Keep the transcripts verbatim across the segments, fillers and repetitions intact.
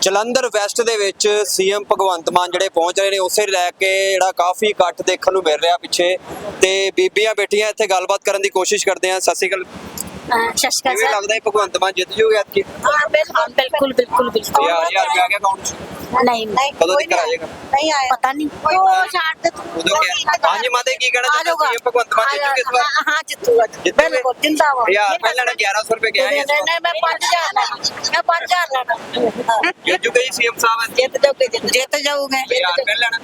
Jalandhar West ਦੇ ਵਿੱਚ CM Bhagwant ਮਾਨ ਜਿਹੜੇ ਪਹੁੰਚ ਰਹੇ ਨੇ ਉਸੇ ਲੈ ਕੇ ਜਿਹੜਾ ਕਾਫੀ ਇਕੱਠ ਦੇਖਣ ਨੂੰ ਮਿਲ ਰਿਹਾ ਪਿੱਛੇ ਤੇ ਬੀਬੀਆਂ ਬੈਠੀਆਂ ਇੱਥੇ ਗੱਲਬਾਤ ਕਰਨ ਦੀ ਕੋਸ਼ਿਸ਼ ਕਰਦੇ ਆ। ਸਤਿ ਸ਼੍ਰੀ ਅਕਾਲ। ਸਤਿ ਸ਼੍ਰੀ ਅਕਾਲ ਕਿਵੇਂ ਸਰ। ਲੱਗਦਾ ਹੈ ਭਗਵੰਤ ਮਾਨ ਜਿੱਤ ਜੂਗੇ ਐਤਕੀ? ਹਾਂ ਬਿਲਕੁਲ ਬਿਲकुल बिल्कुल बिल्कुल ਯਾਰ ਯਾਰ ਆ ਗਿਆ ਅਕਾਊਂਟ नहीं नहीं ਕਦੋਂ ਤੱਕ ਆ ਜਾਏਗਾ? नहीं आया पता नहीं वो छाड़ दे तू ਉਦੋਂ ਕਿਹਾ ਹਾਂਜੀ ਮਾਤੇ ਕੀ ਕਹਿਣਾ ਚਾਹੁੰਦੇ ਹੋ? ਸੀਐਮ ਭਗਵੰਤ ਮਾਨ ਜਿੱਤੂਗੇ ਇਸ ਵਾਰ? हाँ जितूगा बिल्कुल जिंदाबाद। ਯਾਰ ਪਹਿਲਾਂ ਨਾ ਗਿਆਰਾਂ ਸੌ ਰੁਪਏ ਗਿਆ नहीं ਹੈ नहीं मैं पाँच हजार मैं पाँच हजार लेना ਜਿੱਤ ਜੂਗੇ ਜੀ ਸੀਐਮ ਸਾਹਿਬ जित जाओगे जित जाओगे ਯਾਰ ਪਹਿਲਾਂ ਨਾ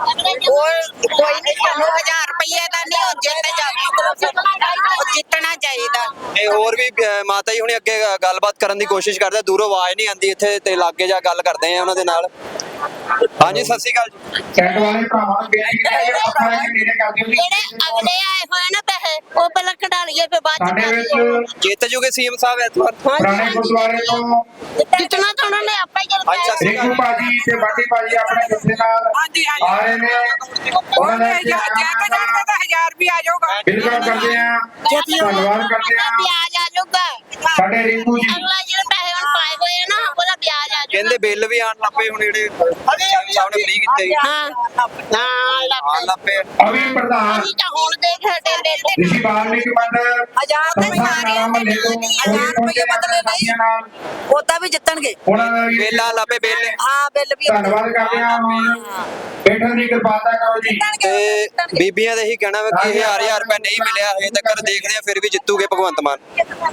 कोई कोई नहीं ਸਾਨੂੰ हजार ਰੁਪਏ ਦਾ ਨਹੀਂ ਉਹ ਜਿੱਤ ਜਾਓ ਉਹ ਜਿੱਤਣਾ ਚਾਹੀਦਾ। ਤੇ ਹੋਰ ਵੀ ਅਹ, ਮਾਤਾ ਜੀ ਹੁਣੇ ਅੱਗੇ ਗੱਲਬਾਤ ਕਰਨ ਦੀ ਕੋਸ਼ਿਸ਼ ਕਰਦੇ ਆ। ਦੂਰੋਂ ਆਵਾਜ਼ ਨਹੀਂ ਆਉਂਦੀ ਇੱਥੇ ਤੇ ਲਾਗੇ ਜਾ ਗੱਲ ਕਰਦੇ ਆ ਉਹਨਾਂ ਦੇ ਨਾਲ। ਹਾਂਜੀ ਸਤਿ ਸ਼੍ਰੀ ਅਕਾਲ ਜੀ। ਚੈਟ ਵਾਲੇ ਭਰਾਵਾਂ ਨੂੰ ਬੇਨਤੀ ਹੈ ਇਹ ਪੱਖਾ ਲੈ ਕੇ ਨੇੜੇ ਕਰ ਦਿਓ ਜੀ। ਜਿਹੜੇ ਅਗਲੇ ਆਏ ਹੋਏ ਨਾ ਪੈਸੇ ਉਹ ਪਹਿਲਾਂ ਕਢਾ ਲਈਏ ਫਿਰ ਬਾਅਦ ਸਾਡੇ ਚ ਵਿੱਚ ਜਿੱਤ ਜੂਗੇ ਸੀਐਮ ਸਾਹਿਬ ਇਸ ਵਾਰ? ਪੁਰਾਣੇ ਗੁਰਦੁਆਰੇ ਤੋਂ ਜਿੱਤਣਾ ਤਾਂ ਉਹਨਾਂ ਨੇ ਆਪਾਂ ਹੀ ਹਾਂਜੀ, ਸਤਿ ਸ਼੍ਰੀ ਰਿੰਕੂ ਭਾਜੀ ਤੇ ਬਾਟੀ ਭਾਜੀ ਆਪਣੇ ਜੁੱਸੇ ਨਾਲ ਆ ਰਹੇ ਨੇ। ਉਹਨਾਂ ਨੇ ਹਜ਼ਾਰ ਵੀ ਆ ਜਾਊਗਾ। ਬਿਲਕੁਲ ਕਰਦੇ ਆ, ਧੰਨਵਾਦ ਕਰਦੇ ਆ ਵਿਆਜ ਆ ਜਾਊਗਾ। ਸਾਡੇ ਰਿੰਕੂ ਜੀ। ਅਗਲਾ ਜਿਹੜੇ ਪੈਸੇ ਹੁਣ ਪਾਏ ਹੋਏ ਆ ਨਾ ਉਹਦਾ ਵਿਆਜ ਆ ਜਾਊਗਾ। ਕਹਿੰਦੇ ਬਿੱਲ ਵੀ ਆਣ ਲੱਪੇ ਹੁਣ ਜਿਹੜੇ ਸੀਐਮ ਸਾਹਿਬ ਨੇ ਫ੍ਰੀ ਕੀਤੇ ਜੀ। ਹਾਂ ਹਾਂ ਆਣ ਲੱਗ ਲੱਪੇ ਅਵੀ ਪ੍ਰਧਾਨ ਅਸੀਂ ਤਾਂ ਹੁਣ ਦੇਖ ਹਟੇ ਦੇ ਰਿਸ਼ੀ ਬਾਲਮੀਕ ਮੰਡਲ ਹਜ਼ਾਰ ਦੇ ਸਾਰੇ ਹਜ਼ਾਰ ਰੁਪਏ ਬਦਲੇ ਨਹੀਂ ਉਹਦਾ ਵੀ ਜਿੱਤਣਗੇ। ਉਹਨਾਂ ਦਾ ਵੀ ਬਿੱਲ ਆ ਲੱਪੇ ਬਿੱਲ ਹਾਂ ਬਿੱਲ ਵੀ ਧੰਨਵਾਦ ਕਰਦੇ ਆ। ਹੁਣ ਬੈਠਣ ਦੀ ਕਿਰਪਾਲਤਾ ਕਰੋ ਜੀ। ਤੇ ਬੀਬੀਆਂ ਦਾ ਇਹੀ ਕਹਿਣਾ ਵਾ ਕਿ ਹਜ਼ਾਰ ਹਜ਼ਾਰ ਰੁਪਏ ਨਹੀਂ ਮਿਲਿਆ ਹਜੇ ਤੱਕ ਦੇਖਦੇ ਆ ਫਿਰ ਵੀ ਜਿੱਤੂਗੇ ਭਗਵੰਤ ਮਾਨ।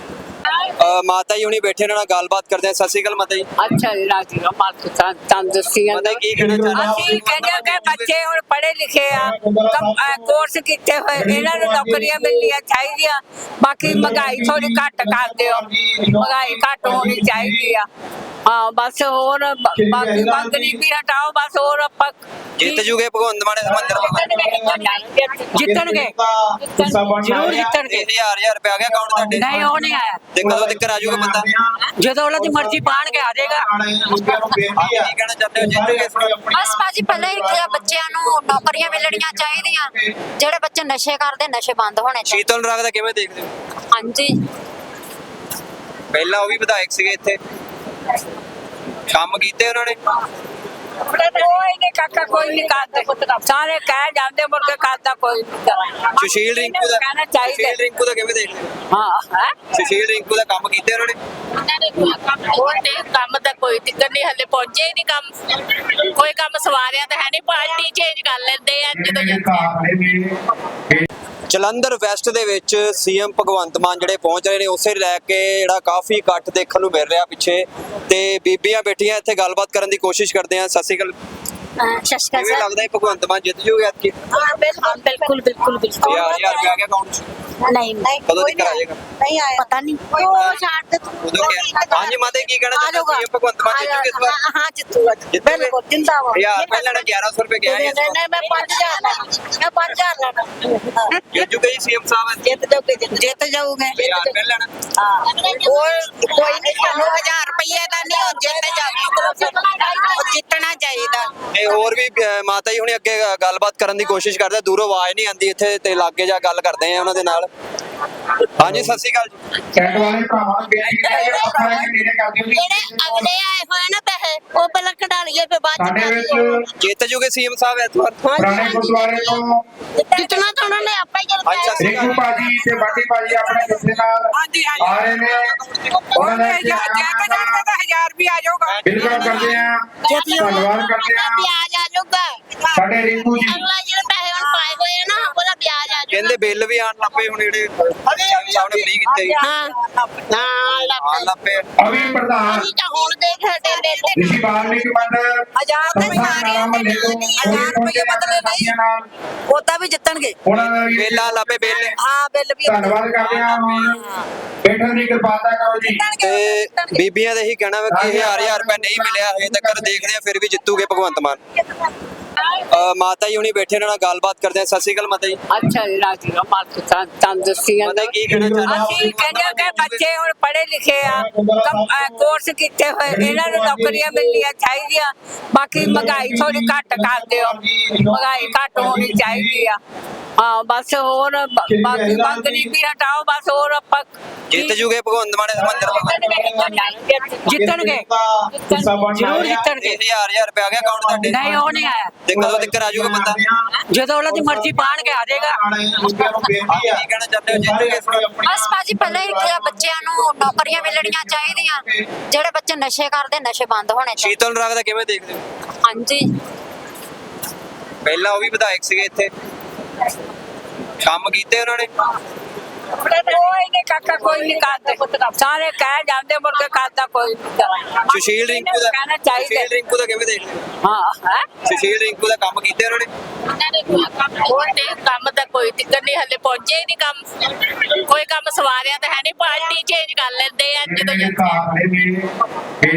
ਅਹ ਮਾਤਾ ਜੀ ਹੁਣੀ ਬੈਠੇ ਇਹਨਾਂ ਨਾਲ ਗੱਲਬਾਤ ਕਰਦੇ ਆ। ਸਤਿ ਸ਼੍ਰੀ ਅਕਾਲ ਮਾਤਾ ਜੀ। ਅੱਛਾ ਜੀ ਰਾਜੀ ਦਾ ਮਾਲਕ ਤਾਂ ਤੰਦਰੁਸਤੀਆਂ ਮਾਤਾ ਜੀ ਕੀ ਕਹਿਣਾ ਚਾਹੁੰਦੇ ਹੋ? ਅਸੀਂ ਕਹਿੰਦੇ ਹਾਂ ਕਿ ਬੱਚੇ ਹੁਣ ਪੜ੍ਹੇ ਲਿਖੇ ਆ ਕੰਮ ਕੋਰਸ ਕੀਤੇ ਹੋਏ ਇਹਨਾਂ ਨੂੰ ਨੌਕਰੀਆਂ ਮਿਲਣੀਆਂ ਚਾਹੀਦੀਆਂ। ਬਾਕੀ ਮਹਿੰਗਾਈ ਥੋੜੀ ਘੱਟ ਕਰ ਦਿਓ, ਮਹਿੰਗਾਈ ਘੱਟ ਹੋਣੀ ਚਾਹੀਦੀ ਆ। ਹਾਂ ਬਸ ਹੋਰ ਬ- ਬਾਕੀ ਮੰਗ ਗਰੀਬੀ ਹਟਾਓ ਬਸ ਹੋਰ ਆਪਾਂ ਜਿੱਤ ਜੂਗੇ ਭਗਵੰਤ ਮਾਨ ਇਸ ਮੰਦਰ ਜਿੱਤਣਗੇ ਜ਼ਰੂਰ ਜਿੱਤਣਗੇ। ਹਜ਼ਾਰ ਹਜ਼ਾਰ ਰੁਪਏ ਆ ਗਿਆ ਅਕਾਊਂਟ ਤੁਹਾਡੇ ਨਹੀਂ ਉਹ ਨਹੀਂ ਆਇਆ ਤੇ ਕਦੋਂ ਤੱਕ ਆ ਜਾਊਗਾ ਬੰਦਾ? ਜਦੋਂ ਉਹਨਾਂ ਦੀ ਮਰਜ਼ੀ ਪਾਣ ਕੇ ਆ ਜਾਏਗਾ। ਕੀ ਕਹਿਣਾ ਚਾਹੁੰਦੇ ਹੋ ਜਿੱਤੂਗੇ ਇਸ ਵਾਰ? ਬਸ ਭਾਜੀ ਪਹਿਲਾਂ ਹੀ ਕਿਹਾ ਬੱਚਿਆਂ ਨੂੰ ਨੌਕਰੀਆਂ ਮਿਲਣੀਆਂ ਚਾਹੀਦੀਆਂ। ਜਿਹੜੇ ਬੱਚੇ ਨਸ਼ੇ ਕਰਦੇ ਨਸ਼ੇ ਬੰਦ ਹੋਣੇ ਚਾਹੀਦੇ। ਸ਼ੀਤਲ ਰਾਗ ਦਾ ਕਿਵੇਂ ਦੇਖਦੇ ਹੋ? ਹਾਂਜੀ ਪਹਿਲਾਂ ਉਹ ਵੀ ਵਿਧਾਇਕ ਸੀਗੇ ਇੱਥੇ, ਕੰਮ ਕੀਤੇ ਉਹਨਾਂ ਨੇ। ਕੋਈ ਨਹੀਂ ਕਾਕਾ ਕੋਈ ਨਹੀਂ ਕਰਦਾ ਸਾਰੇ ਕਹਿ ਜਾਂਦੇ ਮੁੜ ਕੇ ਕਰਦਾ ਕੋਈ ਨਹੀਂ। ਸੁਸ਼ੀਲ ਰਿੰਕੂ ਦਾ ਕਹਿਣਾ ਚਾਹੀਦਾ। ਸੁਸ਼ੀਲ ਰਿੰਕੂ ਦਾ ਕਿਵੇਂ ਦੇਖਦੇ ਹੋ? ਹਾਂ ਹੈ ਸੁਸ਼ੀਲ ਰਿੰਕੂ ਦਾ ਕੰਮ ਕੀਤੇ ਉਹਨਾਂ ਨੇ। ਕੋਈ ਕੰਮ ਦਾ ਕੋਈ ਦਿੱਕਤ ਨਹੀਂ, ਹਲੇ ਪਹੁੰਚੇ ਹੀ ਨਹੀਂ ਕੰਮ। ਕੋਈ ਕੰਮ ਸਵਾਰਿਆ ਤਾਂ ਹੈ ਨਹੀਂ, ਪਾਰਟੀ ਚੇਂਜ ਕਰ ਲੈਂਦੇ ਆ ਜਦੋਂ ਜਾਂਦੇ। ਜਲੰਧਰ ਵੈਸਟ ਦੇ ਵਿੱਚ ਸੀਐਮ ਭਗਵੰਤ ਮਾਨ ਜਿਹੜੇ ਪਹੁੰਚ ਰਹੇ ਨੇ ਉਸੇ ਲੈ ਕੇ ਜਿਹੜਾ ਕਾਫੀ ਇਕੱਠ ਦੇਖਣ ਨੂੰ ਮਿਲ ਰਿਹਾ ਪਿੱਛੇ ਤੇ ਬੀਬੀਆਂ ਬੈਠੀਆਂ ਇੱਥੇ ਗੱਲਬਾਤ ਕਰਨ ਦੀ ਕੋਸ਼ਿਸ਼ ਕਰਦੇ ਆ। ਸਤਿ ਸ਼੍ਰੀ ਅਕਾਲ। ਸਤਿ ਸ਼੍ਰੀ ਕਿਵੇਂ ਅਕਾਲ ਲੱਗਦਾ ਹੈ ਭਗਵੰਤ ਮਾਨ ਜਿੱਤ ਜੂਗੇ ਐਤਕੀ? ਹਾਂ ਬਿਲकुल बिल्कुल बिल्कुल ਯਾਰ ਯਾਰ ਰੁਪਏ ਆ ਗਿਆ ਅਕਾਊਂਟ नहीं नहीं ਕਦੋਂ ਤੱਕ ਆ ਜਾਏਗਾ? नहीं आया पता नहीं वो छाड़ दे तू ਉਦੋਂ ਕਿਹਾ ਹਾਂਜੀ ਮਾਤੇ ਕੀ ਕਹਿਣਾ ਚਾਹੁੰਦੇ ਹੋ? ਸੀਐਮ ਭਗਵੰਤ ਮਾਨ ਜਿੱਤੂਗੇ ਇਸ ਵਾਰ? हाँ जितूगा बिल्कुल जिंदाबाद। ਯਾਰ ਪਹਿਲਾਂ ਨਾ ਗਿਆਰਾਂ ਸੌ ਰੁਪਏ ਗਿਆ नहीं ਹੈ नहीं मैं पाँच हजार लेना मैं पाँच हजार लेना ਜਿੱਤ ਜੂਗੇ ਜੀ ਸੀਐਮ ਸਾਹਿਬ ਜਿੱਤ ਜਾਓਗੇ ਜਿੱਤ ਜਾਓਗੇ ਯਾਰ ਪਹਿਲਾਂ ਨਾ ਕੋਈ ਕੋਈ ਨਹੀਂ ਸਾਨੂੰ हजार ਰੁਪਏ ਦਾ ਨਹੀਂ ਉਹ ਜਿੱਤ ਜਾਓ ਉਹ ਜਿੱਤਣਾ ਚਾਹੀਦਾ। ਤੇ ਹੋਰ ਵੀ ਅਹ, ਮਾਤਾ ਜੀ ਹੁਣੇ ਅੱਗੇ ਗੱਲਬਾਤ ਕਰਨ ਦੀ ਕੋਸ਼ਿਸ਼ ਕਰਦੇ ਆ। ਦੂਰੋਂ ਆਵਾਜ਼ ਨਹੀਂ ਆਉਂਦੀ ਇੱਥੇ ਤੇ ਲਾਗੇ ਜਾ ਗੱਲ ਕਰਦੇ ਆ ਉਹਨਾਂ ਦੇ ਨਾਲ। ਹਾਂਜੀ ਸਤਿ ਸ਼੍ਰੀ ਅਕਾਲ ਜੀ। ਚੈਟ ਵਾਲੇ ਭਰਾਵਾਂ ਨੂੰ ਬੇਨਤੀ ਹੈ ਇਹ ਪੱਖਾ ਲੈ ਕੇ ਨੇੜੇ ਕਰ ਦਿਓ ਜੀ। ਜਿਹੜੇ ਅਗਲੇ ਆਏ ਹੋਏ ਨਾ ਪੈਸੇ ਉਹ ਪਹਿਲਾਂ ਕਢਾ ਲਈਏ ਫਿਰ ਬਾਅਦ ਸਾਡੇ ਚ ਵਿੱਚ ਜਿੱਤ ਜੂਗੇ ਸੀਐਮ ਸਾਹਿਬ ਇਸ ਵਾਰ? ਪੁਰਾਣੇ ਗੁਰਦੁਆਰੇ ਤੋਂ ਜਿੱਤਣਾ ਤਾਂ ਉਹਨਾਂ ਨੇ ਆਪਾਂ ਹੀ ਹਾਂਜੀ, ਸਤਿ ਸ਼੍ਰੀ ਰਿੰਕੂ ਭਾਜੀ ਤੇ ਬਾਟੀ ਭਾਜੀ ਆਪਣੇ ਜੁੱਸੇ ਨਾਲ ਆ ਰਹੇ ਨੇ। ਉਹਨਾਂ ਨੇ ਹਜ਼ਾਰ ਵੀ ਆ ਜਾਊਗਾ। ਬਿਲਕੁਲ ਕਰਦੇ ਆ, ਧੰਨਵਾਦ ਕਰਦੇ ਆ ਵਿਆਜ ਆ ਜਾਊਗਾ। ਸਾਡੇ ਰਿੰਕੂ ਜੀ। ਅਗਲਾ ਜਿਹੜੇ ਪੈਸੇ ਹੁਣ ਪਾਏ ਹੋਏ ਆ ਨਾ ਉਹਦਾ ਵਿਆਜ ਆ ਜਾਊਗਾ। ਕਹਿੰਦੇ ਬਿੱਲ ਵੀ ਆਣ ਲੱਪੇ ਹੁਣ ਜਿਹੜੇ ਸੀਐਮ ਸਾਹਿਬ ਨੇ ਫ੍ਰੀ ਕੀਤੇ ਜੀ। ਹਾਂ ਹਾਂ ਲੱਗ ਆਣ ਲੱਪੇ ਅਵੀ ਪ੍ਰਧਾਨ ਅਸੀਂ ਤਾਂ ਹੁਣ ਦੇਖ ਹਟੇ ਦੇ ਰਿਸ਼ੀ ਬਾਲਮੀਕ ਮੰਡਲ ਹਜ਼ਾਰ ਦੇ ਸਾਰੇ ਹਜ਼ਾਰ ਰੁਪਏ ਬਦਲੇ ਨਹੀਂ ਉਹਦਾ ਵੀ ਜਿੱਤਣਗੇ। ਉਹਨਾਂ ਦਾ ਵੀ ਬਿੱਲ ਆ ਲੱਪੇ ਬਿੱਲ। ਹਾਂ ਬਿੱਲ ਵੀ ਧੰਨਵਾਦ ਕਰਦੇ ਆ। ਹੁਣ ਬੈਠਣ ਦੀ ਕਿਰਪਾਲਤਾ ਕਰੋ ਜੀ। ਤੇ ਬੀਬੀਆਂ ਦਾ ਇਹੀ ਕਹਿਣਾ ਵਾ ਕਿ ਹਜ਼ਾਰ ਹਜ਼ਾਰ ਰੁਪਏ ਨਹੀਂ ਮਿਲਿਆ ਹਜੇ ਤੱਕ ਦੇਖਦੇ ਆ ਫਿਰ ਵੀ ਜਿੱਤੂਗੇ ਭਗਵੰਤ ਮਾਨ। ਅਹ ਮਾਤਾ ਜੀ ਹੁਣੀ ਬੈਠੇ ਇਹਨਾਂ ਨਾਲ ਗੱਲਬਾਤ ਕਰਦੇ ਆ। ਸਤਿ ਸ਼੍ਰੀ ਅਕਾਲ ਮਾਤਾ ਜੀ। ਅੱਛਾ ਜੀ ਰਾਜੀ ਦਾ ਮਾਲਕ ਤਾਂ ਤੰਦਰੁਸਤੀਆਂ ਮਾਤਾ ਜੀ ਕੀ ਕਹਿਣਾ ਚਾਹੁੰਦੇ ਹੋ? ਅਸੀਂ ਕਹਿੰਦੇ ਹਾਂ ਕਿ ਬੱਚੇ ਹੁਣ ਪੜ੍ਹੇ ਲਿਖੇ ਆ ਕੰਮ ਕੋਰਸ ਕੀਤੇ ਹੋਏ ਇਹਨਾਂ ਨੂੰ ਨੌਕਰੀਆਂ ਮਿਲਣੀਆਂ ਚਾਹੀਦੀਆਂ। ਬਾਕੀ ਮਹਿੰਗਾਈ ਥੋੜੀ ਘੱਟ ਕਰ ਦਿਓ, ਮਹਿੰਗਾਈ ਘੱਟ ਹੋਣੀ ਚਾਹੀਦੀ ਆ। ਹਾਂ ਬਸ ਹੋਰ ਬ- ਬਾਕੀ ਮੰਗ ਗਰੀਬੀ ਹਟਾਓ ਬਸ ਹੋਰ ਆਪਾਂ ਜਿੱਤ ਜੂਗੇ ਭਗਵੰਤ ਮਾਨ ਇਸ ਮੰਦਰ ਜਿੱਤਣਗੇ ਜ਼ਰੂਰ ਜਿੱਤਣਗੇ ਇਹ ਹਜ਼ਾਰ ਹਜ਼ਾਰ ਰੁਪਏ ਆ ਗਿਆ ਅਕਾਊਂਟ ਤੁਹਾਡੇ ਨਹੀਂ ਉਹ ਨਹੀਂ ਆਇਆ ਤੇ ਕਦੋਂ ਤੱਕ ਆ ਜਾਊਗਾ ਬੰਦਾ ਜਦੋਂ ਉਹਨਾਂ ਦੀ ਮਰਜ਼ੀ ਪਾਣ ਕੇ ਆ ਜਾਏਗਾ ਕੀ ਕਹਿਣਾ ਚਾਹੁੰਦੇ ਹੋ ਜਿੱਤੂਗੇ ਬਸ ਭਾਜੀ ਪਹਿਲਾਂ ਹੀ ਕਿਹਾ ਬੱਚਿਆਂ ਨੂੰ ਨੌਕਰੀਆਂ ਮਿਲਣੀਆਂ ਚਾਹੀਦੀਆਂ ਜਿਹੜੇ ਬੱਚੇ ਨਸ਼ੇ ਕਰਦੇ ਨਸ਼ੇ ਬੰਦ ਹੋਣੇ ਚਾਹੀਦੇ ਸ਼ੀਤਲ ਨੂੰ ਰੱਖਦਾ ਕਿਵੇਂ ਦੇਖਦੇ ਹੋ ਹਾਂਜੀ ਪਹਿਲਾਂ ਉਹ ਵੀ ਵਿਧਾਇਕ ਸੀਗੇ ਇੱਥੇ ਕੰਮ ਕੀਤੇ ਉਹਨਾਂ ਨੇ ਕੋਈ ਨਹੀਂ ਕਾਕਾ ਕੋਈ ਨਹੀਂ ਕਰਦਾ ਸਾਰੇ ਕਹਿ ਜਾਂਦੇ ਮੁੜ ਕੇ ਕਰਦਾ ਕੋਈ ਨਹੀਂ ਸੁਸ਼ੀਲ ਰਿੰਕੂ ਦਾ ਕਹਿਣਾ ਚਾਹੀਦਾ ਸੁਸ਼ੀਲ ਰਿੰਕੂ ਦਾ ਕਿਵੇਂ ਦੇਖਦੇ ਹੋ ਹਾਂ ਹੈ ਸੁਸ਼ੀਲ ਰਿੰਕੂ ਦਾ ਕੰਮ ਕੀਤੇ ਉਹਨਾਂ ਨੇ ਉਹਨਾਂ ਨੇ ਕੋਈ ਕੰਮ ਨਹੀਂ ਕੀਤੇ, ਕੰਮ ਦਾ ਕੋਈ ਟਿਕਣ ਨਹੀਂ ਹਲੇ ਪਹੁੰਚੇ ਹੀ ਨਹੀਂ ਕੰਮ ਕੋਈ ਕੰਮ ਸਵਾਰਿਆ ਤਾਂ ਹੈ ਨਹੀਂ ਪਾਰਟੀ ਚੇਂਜ ਕਰ ਲੈਂਦੇ ਆ ਜਦੋਂ ਇਹ ਕਾਫਲੇ ਨੇ